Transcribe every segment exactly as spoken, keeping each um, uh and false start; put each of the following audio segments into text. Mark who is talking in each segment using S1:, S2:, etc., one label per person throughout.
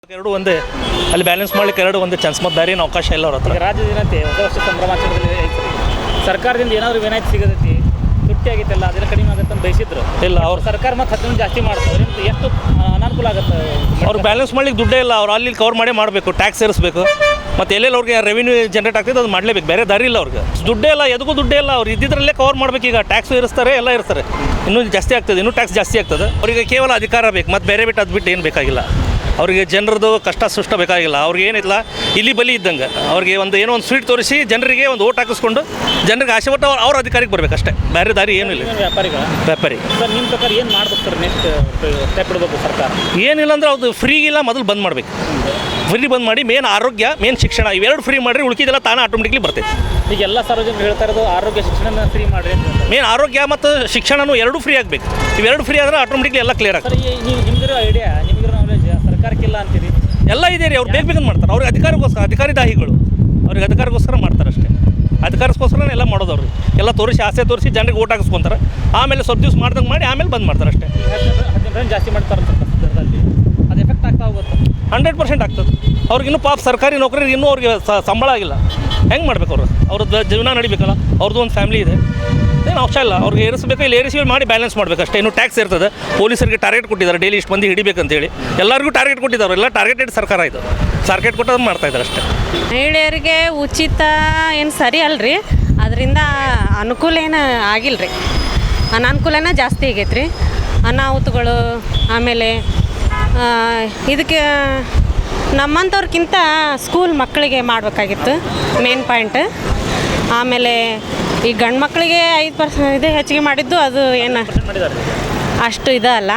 S1: ಎರಡು ಒಂದೇ ಅಲ್ಲಿ ಬ್ಯಾಲೆನ್ಸ್ ಮಾಡ್ಲಿಕ್ಕೆ ಎರಡು ಒಂದೇ ಚಾನ್ಸ್ ಮತ್ತು ಬೇರೆ ಏನು ಅವಕಾಶ ಇಲ್ಲ ಅವ್ರ ಹತ್ರ.
S2: ಈಗ ರಾಜ್ಯದ ಜನತೆ ಹೊಸ ವರ್ಷ ಸಂಭ್ರಮಾಚರಣೆಯಲ್ಲಿ ಐತ್ರಿ. ಸರ್ಕಾರದಿಂದ ಏನಾದರೂ ವಿನಾಯಿತಿ ಸಿಗತೈತಿ, ತುಟ್ಟಿ ಆಗೈತಲ್ಲ ಅದೆಲ್ಲ ಕಡಿಮೆ ಆಗುತ್ತೆ ಅಂತ ಬಯಸಿದ್ರು.
S1: ಇಲ್ಲ ಅವ್ರು
S2: ಸರ್ಕಾರ ಮತ್ತು ಹತ್ತು ಜಾಸ್ತಿ ಮಾಡ್ತಾರೆ, ಎಷ್ಟು ಅನಾನುಕೂಲ ಆಗುತ್ತೆ
S1: ಅವ್ರು ಬ್ಯಾಲೆನ್ಸ್ ಮಾಡ್ಲಿಕ್ಕೆ ದುಡ್ಡೇ ಇಲ್ಲ. ಅವ್ರು ಅಲ್ಲಿ ಕವರ್ ಮಾಡೇ ಮಾಡಬೇಕು, ಟ್ಯಾಕ್ಸ್ ಸೇರಿಸಬೇಕು, ಮತ್ತು ಎಲ್ಲೆಲ್ಲಿ ಅವ್ರಿಗೆ ರೆವಿನ್ಯೂ ಜನರೇಟ್ ಆಗ್ತದೆ ಅದು ಮಾಡಲೇಬೇಕು. ಬೇರೆ ದಾರಿ ಇಲ್ಲ ಅವ್ರಿಗೆ. ದುಡ್ಡೇ ಇಲ್ಲ, ಎದಕ್ಕೂ ದುಡ್ಡೇ ಇಲ್ಲ. ಅವ್ರು ಇದ್ದಿದ್ರಲ್ಲೇ ಕವರ್ ಮಾಡಬೇಕು. ಈಗ ಟ್ಯಾಕ್ಸ್ ಇರಿಸ್ತಾರೆ, ಎಲ್ಲ ಇರ್ತಾರೆ, ಇನ್ನೂ ಜಾಸ್ತಿ ಆಗ್ತದೆ, ಇನ್ನೂ ಟ್ಯಾಕ್ಸ್ ಜಾಸ್ತಿ ಆಗ್ತದೆ. ಅವರಿಗೆ ಕೇವಲ ಅಧಿಕಾರ ಬೇಕು, ಮತ್ತು ಬೇರೆ ಬಿಟ್ಟು ಅದು ಬಿಟ್ಟು ಏನು ಬೇಕಾಗಿಲ್ಲ. ಅವರಿಗೆ ಜನರದ್ದು ಕಷ್ಟ ಸುಷ್ಟ ಬೇಕಾಗಿಲ್ಲ. ಅವ್ರಿಗೆ ಏನಿಲ್ಲ, ಇಲ್ಲಿ ಬಲಿ ಇದ್ದಂಗೆ ಅವ್ರಿಗೆ ಒಂದು ಏನೋ ಒಂದು ಸ್ವೀಟ್ ತೋರಿಸಿ ಜನರಿಗೆ ಒಂದು ಓಟ್ ಹಾಕಿಸ್ಕೊಂಡು ಜನರಿಗೆ ಆಸೆ ಪಟ್ಟು ಅವ್ರು ಅವ್ರ ಅಧಿಕಾರಕ್ಕೆ ಬರಬೇಕು ಅಷ್ಟೇ, ಬೇರೆ ದಾರಿ ಏನೂ ಇಲ್ಲ.
S2: ವ್ಯಾಪಾರಿಗಳು
S1: ವ್ಯಾಪಾರಿ
S2: ಸರ್ ನಿಮ್ಮ ಪ್ರಕಾರ ಏನು ಮಾಡ್ಬೇಕು ಸರ್? ನೆಕ್ಸ್ಟ್ ಸ್ಟೆಪ್ ಇಡಬೇಕು ಸರ್ಕಾರ?
S1: ಏನಿಲ್ಲ ಅಂದ್ರೆ ಅದು ಫ್ರೀಗಿಲ್ಲ, ಮೊದಲು ಬಂದ್ ಮಾಡಬೇಕು. ಫ್ರೀ ಬಂದ್ ಮಾಡಿ ಮೇನ್ ಆರೋಗ್ಯ, ಮೇನ್ ಶಿಕ್ಷಣ ಇವೆರಡು ಫ್ರೀ ಮಾಡಿರಿ, ಉಳ್ಕಿದೆಲ್ಲ ತಾನೇ ಆಟೋಮೆಟಿಕ್ಲಿ ಬರ್ತೈತೆ.
S2: ಈಗ ಎಲ್ಲ ಸಾರ್ವಜನಿಕರು ಹೇಳ್ತಾ ಇರೋದು ಆರೋಗ್ಯ ಶಿಕ್ಷಣ ಫ್ರೀ ಮಾಡಿರಿ ಅಂತ.
S1: ಮೇನ್ ಆರೋಗ್ಯ ಮತ್ತು ಶಿಕ್ಷಣನೂ ಎರಡೂ ಫ್ರೀ ಆಗಬೇಕು. ಇವೆರಡು ಫ್ರೀ ಆದರೆ ಆಟೋಮೆಟಿಕ್ಲಿ ಎಲ್ಲ ಕ್ಲಿಯರ್ ಆಗ್ತದೆ.
S2: ಸರ್ ಈ ನೀವು ನಿಮ್ಗಿರೋ ಐಡಿಯಾ, ನಿಮಗಿರೋ ನಾಲೆಜ್ ಸರ್ಕಾರಕ್ಕಿಲ್ಲ ಅಂತೀರಿ?
S1: ಎಲ್ಲ ಇದೆ ರೀ. ಅವ್ರು ಬೇಗ ಬೇಗ ಮಾಡ್ತಾರೆ. ಅವ್ರಿಗೆ ಅಧಿಕಾರಕ್ಕೋಸ್ಕರ, ಅಧಿಕಾರಿ ದಾಹಿಗಳು ಅವ್ರಿಗೆ ಅಧಿಕಾರಕ್ಕೋಸ್ಕರ ಮಾಡ್ತಾರೆ ಅಷ್ಟೇ. ಅಧಿಕಾರಕ್ಕೋಸ್ಕರನೇ ಎಲ್ಲ ಮಾಡೋದು. ಅವ್ರಿಗೆ ಎಲ್ಲ ತೋರಿಸಿ, ಆಸೆ ತೋರಿಸಿ ಜನರಿಗೆ ಓಟ್ ಹಾಕಿಸ್ಕೊಂತಾರೆ. ಆಮೇಲೆ ಸ್ವಲ್ಪ ದಿವಸ ಮಾಡ್ದಂಗೆ ಮಾಡಿ ಆಮೇಲೆ ಬಂದ್ ಮಾಡ್ತಾರೆ ಅಷ್ಟೇ.
S2: ಹದಿನೆಂಟು ರನ್ ಜಾಸ್ತಿ ಮಾಡ್ತಾರೆ ದರದಲ್ಲಿ, ಅದು ಎಫೆಕ್ಟ್ ಆಗ್ತಾ ಹೋಗುತ್ತೆ.
S1: ಹಂಡ್ರೆಡ್ ಪರ್ಸೆಂಟ್ ಆಗ್ತದೆ. ಅವ್ರಿಗೆ ಇನ್ನೂ ಪಾಪ ಸರ್ಕಾರಿ ನೌಕರಿಗೆ ಇನ್ನೂ ಅವ್ರಿಗೆ ಸಂಬಳ ಆಗಿಲ್ಲ. ಹೆಂಗೆ ಮಾಡ್ಬೇಕು ಅವರು? ಅವ್ರದ್ದು ಜೀವನ ನಡಿಬೇಕಲ್ಲ, ಅವ್ರದ್ದು ಒಂದು ಫ್ಯಾಮಿಲಿ ಇದೆ. ಏನು ಅವಶ್ಯ ಇಲ್ಲ. ಅವ್ರಿಗೆ ಏರಿಸಬೇಕು, ಇಲ್ಲಿ ಏರಿಸಿ ಮಾಡಿ ಬ್ಯಾಲೆನ್ಸ್ ಮಾಡಬೇಕು ಅಷ್ಟೇ. ಇನ್ನು ಟ್ಯಾಕ್ಸ್ ಇರ್ತದೆ. ಪೊಲೀಸರಿಗೆ ಟಾರ್ಗೆಟ್ ಕೊಟ್ಟಿದ್ದಾರೆ, ಡೈಲಿ ಇಷ್ಟು ಮಂದಿ ಹಿಡಿಬೇಕಂತೇಳಿ ಎಲ್ಲರಿಗೂ ಟಾರ್ಗೆಟ್ ಕೊಟ್ಟಿದ್ದಾರೆ. ಎಲ್ಲ ಟಾರ್ಗೆಟೆಡ್ ಸರ್ಕಾರ ಇದು. ಟಾರ್ಗೆಟ್ ಕೊಟ್ಟೋದು ಮಾಡ್ತಾ ಇದ್ದಾರೆ ಅಷ್ಟೇ.
S3: ಮಹಿಳೆಯರಿಗೆ ಉಚಿತ ಏನು ಸರಿ ಅಲ್ರಿ, ಅದರಿಂದ ಅನುಕೂಲ ಏನು ಆಗಿಲ್ಲ ರೀ, ಅನಾನುಕೂಲನೇ ಜಾಸ್ತಿ ಆಗೈತೆ ರೀ. ಅನಾಹುತಗಳು, ಆಮೇಲೆ ಇದಕ್ಕೆ ನಮ್ಮಂಥವ್ರಿಗಿಂತ ಸ್ಕೂಲ್ ಮಕ್ಕಳಿಗೆ ಮಾಡಬೇಕಾಗಿತ್ತು ಮೇನ್ ಪಾಯಿಂಟ್. ಆಮೇಲೆ ಈ ಗಂಡು ಮಕ್ಕಳಿಗೆ ಐದು ಪರ್ಸೆಂಟ್ ಇದು ಹೆಚ್ಚಿಗೆ ಮಾಡಿದ್ದು ಅದು ಏನು ಅಷ್ಟು ಇದಲ್ಲ.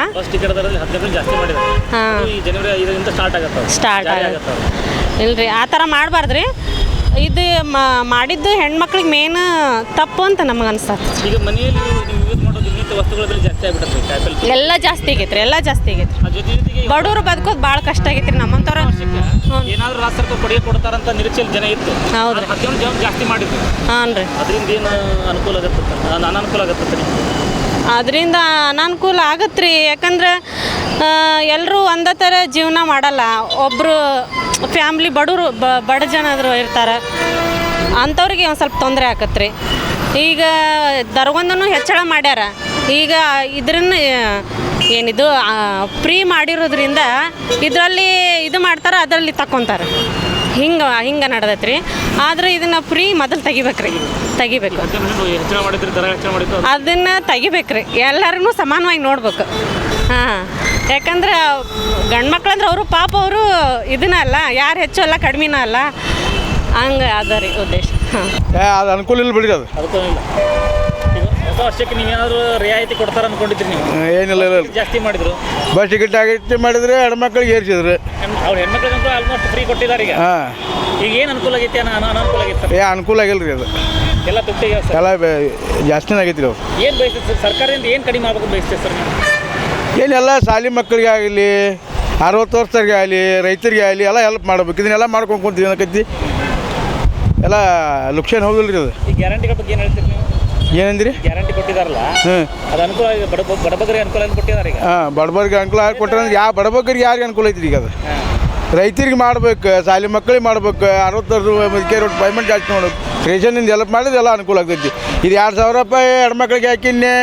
S3: ಹಾಂ,
S2: ಸ್ಟಾರ್ಟ್ ಆಗುತ್ತೆ
S3: ಸ್ಟಾರ್ಟ್ ಆಗುತ್ತೆ. ಇಲ್ರಿ, ಆ ಥರ ಮಾಡಬಾರ್ದು ರೀ. ಇದು ಮಾಡಿದ್ದು ಹೆಣ್ಮಕ್ಳಿಗೆ ಮೇನ್ ತಪ್ಪು ಅಂತ ನಮಗೆ ಅನ್ಸತ್ತೆ.
S2: ಈಗ ಮನೆಯಲ್ಲಿ ನೀವು ಯೂಸ್ ಮಾಡೋ ದಿನನಿತ್ಯ ವಸ್ತುಗಳ ಬೆಲೆ ಜಾಸ್ತಿ ಆಗಿಬಿಡುತ್ತೆ. ಕಾಯಿಪಲ್ಲೆ
S3: ಎಲ್ಲ ಜಾಸ್ತಿ ಆಗೈತೆ ರೀ, ಎಲ್ಲ ಜಾಸ್ತಿ ಆಗೈತೆ ರೀ.
S2: ಜೊತೆ ಜೊತೆಗೆ
S3: ಬಡವರು ಬದುಕೋದು ಭಾಳ ಕಷ್ಟ ಆಗೈತೆ ರೀ ನಮ್ಮಂಥವ್ರು.
S2: ಏನಾದರೂ ರಾಜ್ಯ ಸರ್ಕಾರ ಕೊಡುಗೆ ಕೊಡ್ತಾರಂತ ನಿರೀಕ್ಷೆಯಲ್ಲಿ ಜನ ಇತ್ತು.
S3: ಹೌದು,
S2: ಹದಿನೇಳು ಜನ ಜಾಸ್ತಿ ಮಾಡಿದ್ರು.
S3: ಹಾಂ ರೀ.
S2: ಅದರಿಂದ ಏನು ಅನುಕೂಲ ಆಗುತ್ತೆ, ಅನಾನುಕೂಲ ಆಗುತ್ತೆ?
S3: ಅದರಿಂದ ಅನಾನುಕೂಲ ಆಗತ್ತೆ ರೀ. ಯಾಕಂದ್ರೆ ಎಲ್ಲರೂ ಒಂದೇ ಥರ ಜೀವನ ಮಾಡಲ್ಲ. ಒಬ್ಬರು ಫ್ಯಾಮ್ಲಿ ಬಡವರು ಬಡ ಜನರು ಇರ್ತಾರೆ, ಅಂಥವ್ರಿಗೆ ಒಂದು ಸ್ವಲ್ಪ ತೊಂದರೆ ಆಕತ್ತೆ ರೀ. ಈಗ ದರಗೊಂದೂ ಹೆಚ್ಚಳ ಮಾಡ್ಯಾರ. ಈಗ ಇದ್ರನ್ನ ಏನಿದು ಫ್ರೀ ಮಾಡಿರೋದ್ರಿಂದ ಇದರಲ್ಲಿ ಇದು ಮಾಡ್ತಾರೆ, ಅದರಲ್ಲಿ ತಕ್ಕೊತಾರೆ. ಹಿಂಗೆ ಹಿಂಗೆ ನಡೆದೈತೆ ರೀ. ಆದರೆ ಇದನ್ನು ಫ್ರೀ ಮೊದಲು ತೆಗಿಬೇಕು ರೀ, ತೆಗಿಬೇಕು.
S2: ಹೆಚ್ಚಳ ಮಾಡಿದ್ರೆ ದರ ಹೆಚ್ಚಳ ಮಾಡಿದ್ದು
S3: ಅದನ್ನು ತೆಗಿಬೇಕು ರೀ. ಎಲ್ಲರೂ ಸಮಾನವಾಗಿ ನೋಡ್ಬೇಕು. ಹಾಂ, ಯಾಕಂದ್ರೆ ಗಂಡು ಮಕ್ಳಂದ್ರೆ ಅವರು ಪಾಪ ಅವರು ಇದನ್ನ ಅಲ್ಲ, ಯಾರು ಹೆಚ್ಚು ಅಲ್ಲ ಕಡಿಮೆನೂ ಅಲ್ಲ, ಹಂಗೆ ಅದ ರೀ ಉದ್ದೇಶ. ಹಾಂ,
S4: ಅದು ಅನುಕೂಲ ಇಲ್ಲ ಬಿಡಿ. ಅದು
S2: ಅದಕ್ಕೂ ಇಲ್ಲ. ಈಗ ಹೊಸ ವರ್ಷಕ್ಕೆ ನೀವೇನಾದರೂ ರಿಯಾಯಿತಿ ಕೊಡ್ತಾರೆ ಅಂದ್ಕೊಂಡಿದ್ರಿ ನೀವು?
S4: ಏನಿಲ್ಲ ಇಲ್ಲ
S2: ಜಾಸ್ತಿ ಮಾಡಿದ್ರು.
S4: ಬಸ್ ಟಿಕೆಟ್ ಆಗೈತಿ ಮಾಡಿದ್ರೆ ಹೆಣ್ಮಕ್ಳಿಗೆ ಏರಿಸಿದ್ರು.
S2: ಅವ್ರು ಹೆಣ್ಮಕ್ಳಿಗಂತೂ ಆಲ್ಮೋಸ್ಟ್ ಫ್ರೀ ಕೊಟ್ಟಿದ್ದಾರೆ ಈಗ.
S4: ಹಾಂ,
S2: ಈಗ ಏನು ಅನುಕೂಲ ಆಗೈತಿ, ಅನ ಅನಾನುಕೂಲ ಆಗೈತೆ?
S4: ಏ ಅನುಕೂಲ ಆಗಿಲ್ಲ ರೀ. ಅದು
S2: ಎಲ್ಲ ದುಡ್ಡಿಗೆ
S4: ಎಲ್ಲ ಜಾಸ್ತಿನೇ ಆಗೈತಿ ರೀ. ಅವ್ರು
S2: ಏನು ಬಯಸ್ತದೆ ಸರ್? ಸರ್ಕಾರದಿಂದ ಏನು ಕಡಿಮೆ ಆಗ್ಬೇಕು ಬಯಸ್ತೇವೆ ಸರ್ ನೀವು?
S4: ಏನೆಲ್ಲ ಶಾಲೆ ಮಕ್ಕಳಿಗೆ ಆಗಲಿ, ಅರವತ್ತು ವರ್ಷರಿಗೆ ಆಗಲಿ, ರೈತರಿಗೆ ಆಗಲಿ ಎಲ್ಲ ಹೆಲ್ಪ್ ಮಾಡ್ಬೇಕು. ಇದನ್ನೆಲ್ಲ ಮಾಡ್ಕೊಂಡು ಕುಂತೀವಿ ಏನಕೈತಿ, ಎಲ್ಲ ಲುಕ್ಷನ್ ಹೋಗಿಲ್ಲ ರೀ. ಅದು
S2: ಈ ಗ್ಯಾರಂಟಿಗಳ ಬಗ್ಗೆ ಏನು ಹೇಳ್ತೀರಿ ನೀವು?
S4: ಏನಂದ್ರಿ?
S2: ಗ್ಯಾರಂಟಿ ಕೊಟ್ಟಿದ್ದಾರಲ್ಲ,
S4: ಹ್ಞೂ,
S2: ಅದು ಅನುಕೂಲ ಆಗಿದೆ. ಬಡ ಬಡಬಗರಿಗೆ ಅನುಕೂಲ ಅಂತ ಕೊಟ್ಟಿದ್ದಾರೆ ಈಗ.
S4: ಹಾಂ, ಬಡಬರಿಗೆ ಅನುಕೂಲ ಆಗಿ ಕೊಟ್ಟರೆ ಯಾವ ಬಡಬಗ್ಗರಿಗೆ ಯಾರಿಗೆ ಅನುಕೂಲ ಐತ್ರಿ ಈಗ? ಅದು ರೈತರಿಗೆ ಮಾಡ್ಬೇಕು, ಶಾಲೆ ಮಕ್ಕಳಿಗೆ ಮಾಡ್ಬೇಕು, ಅರವತ್ತು ಮದಿಕೆ ರೋಡ್ ಪೇಮೆಂಟ್ ಜಾಸ್ತಿ ಮಾಡ್ಬೇಕು. ರೇಷನ್ನಿಂದ ಹೆಲ್ಪ್ ಮಾಡಿದ್ರೆ ಎಲ್ಲ ಅನುಕೂಲ ಆಗ್ತೈತಿ. ಇದು ಎರಡು ಸಾವಿರ ರೂಪಾಯಿ ಹೆಣ್ಮಕ್ಳಿಗೆ ಹಾಕಿನ್ನೆ,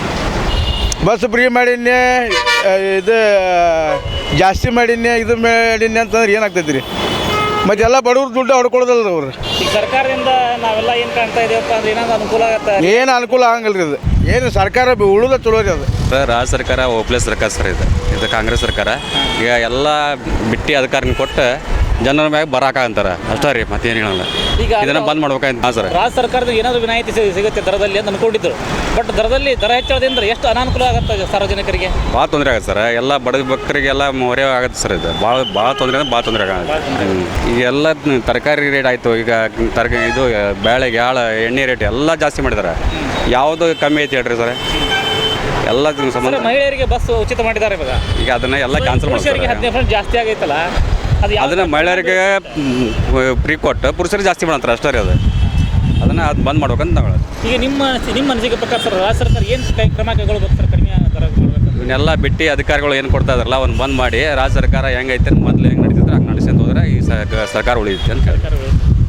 S4: ಬಸ್ ಫ್ರೀ ಮಾಡಿನ್ನೆ, ಇದು ಜಾಸ್ತಿ ಮಾಡಿನ್ನೆ, ಇದು ಮಾಡಿನ್ನೆ ಅಂತಂದ್ರೆ ಏನಾಗ್ತೈತಿ ರೀ? ಮತ್ತು ಎಲ್ಲ ಬಡವ್ರು ದುಡ್ಡು ಹೊಡ್ಕೊಳೋದಲ್ಲ ಅವ್ರು.
S2: ಈಗ ಸರ್ಕಾರದಿಂದ ನಾವೆಲ್ಲ ಏನು ಕಾಣ್ತಾ ಇದೀವಪ್ಪ ಅಂದ್ರೆ ಏನಾದ್ರು ಅನುಕೂಲ ಆಗುತ್ತೆ?
S4: ಏನು ಅನುಕೂಲ ಆಗಂಗಿಲ್ಲ ರೀ. ಅದು ಏನು ಸರ್ಕಾರ ಉಳಿದ ಚಲೋ ರೀ. ಅದು
S5: ಸರ್ ರಾಜ್ಯ ಸರ್ಕಾರ ಓಪ್ಲೆಸ್ ಸರ್ಕಾರ ಸರ್. ಇದು ಇದು ಕಾಂಗ್ರೆಸ್ ಸರ್ಕಾರ. ಈಗ ಎಲ್ಲ ಬಿಟ್ಟು ಅಧಿಕಾರನ ಕೊಟ್ಟು ಜನರ ಮ್ಯಾಗ ಬರಾಕಂತಾರೆ ಅಷ್ಟೇ ರೀ, ಮತ್ತೇನು ಹೇಳಲ್ಲ. ಈಗ ಇದನ್ನು ಬಂದ್ ಮಾಡ್ಬೇಕಂತ. ಹಾಂ ಸರ್,
S2: ರಾಜ್ಯ ಸರ್ಕಾರದ ಏನಾದರೂ ವಿನಾಯಿತಿ ಸಿಗುತ್ತೆ ದರದಲ್ಲಿ ಅಂತ ಅನ್ಕೊಂಡಿದ್ರು. ಬಟ್ ದರದಲ್ಲಿ ದರ ಹೆಚ್ಚಳದಿಂದ ಎಷ್ಟು ಅನಾನುಕೂಲ ಆಗುತ್ತೆ ಸಾರ್ವಜನಿಕರಿಗೆ?
S5: ಭಾಳ ತೊಂದರೆ ಆಗುತ್ತೆ ಸರ್. ಎಲ್ಲ ಬಡ ಭಕ್ತರಿಗೆಲ್ಲ ಮೊರೆ ಆಗುತ್ತೆ ಸರ್. ಇದು ಭಾಳ ಭಾಳ ತೊಂದರೆ ಅಂದ್ರೆ ಭಾಳ ತೊಂದರೆ ಆಗುತ್ತೆ. ಈಗ ಎಲ್ಲ ತರಕಾರಿ ರೇಟ್ ಆಯಿತು. ಈಗ ತರಕಾರಿ ಇದು ಬೇಳೆ ಗ್ಯಾಳ ಎಣ್ಣೆ ರೇಟ್ ಎಲ್ಲ ಜಾಸ್ತಿ ಮಾಡಿದ್ದಾರೆ. ಯಾವುದು ಕಮ್ಮಿ ಐತಿ ಹೇಳ್ರಿ ಸರ್? ಎಲ್ಲ ಸಂಬಂಧ
S2: ಮಹಿಳೆಯರಿಗೆ ಬಸ್ ಉಚಿತ ಮಾಡಿದ್ದಾರೆ ಇವಾಗ. ಈಗ
S5: ಅದನ್ನ ಎಲ್ಲ ಕ್ಯಾನ್ಸಲ್ ಮಾಡ್ತಾರೆ.
S2: ಹದಿನೈದು ಜಾಸ್ತಿ ಆಗೈತಲ್ಲ,
S5: ಅದನ್ನು ಮಹಿಳೆಯರಿಗೆ ಫ್ರೀ ಕೊಟ್ಟು ಪುರುಷರಿಗೆ ಜಾಸ್ತಿ ಮಾಡ್ತಾರೆ ಅಷ್ಟೇ ರೀ. ಅದು ಅದನ್ನು ಅದು ಬಂದ್ ಮಾಡ್ಬೇಕಂತ ನಾವು.
S2: ಈಗ ನಿಮ್ಮ ನಿಮ್ಮ ಅನಿಸಿಕೆ ಪ್ರಕಾರ ಸರ್ ರಾಜ್ಯ ಸರ್ಕಾರ ಏನು ಕ್ರಮ ಕೈಗೊಳ್ಬೇಕು ಸರ್? ಕಡಿಮೆ ದರ ಮಾಡಬೇಕು.
S5: ಇವನ್ನೆಲ್ಲ ಬಿಟ್ಟು ಅಧಿಕಾರಿಗಳು ಏನು ಕೊಡ್ತಾ ಇದಾರಲ್ಲ ಅವನ್ನ ಬಂದ್ ಮಾಡಿ ರಾಜ್ಯ ಸರ್ಕಾರ ಹೆಂಗೈತೆ ಮೊದಲು ಹೆಂಗೆ ನಡೀತದೆ ನಡೆಸಿದ್ರೆ ಹಂಗೆ ನಡೆಸ್ಕೊಂತ ಹೋದ್ರೆ ಈ ಸ- ಸರ್ಕಾರ ಉಳಿಯುತ್ತೆ ಅಂತ ಹೇಳಿ
S2: ಸರ್ಕಾರ ಉಳಿಯುತ್ತೆ.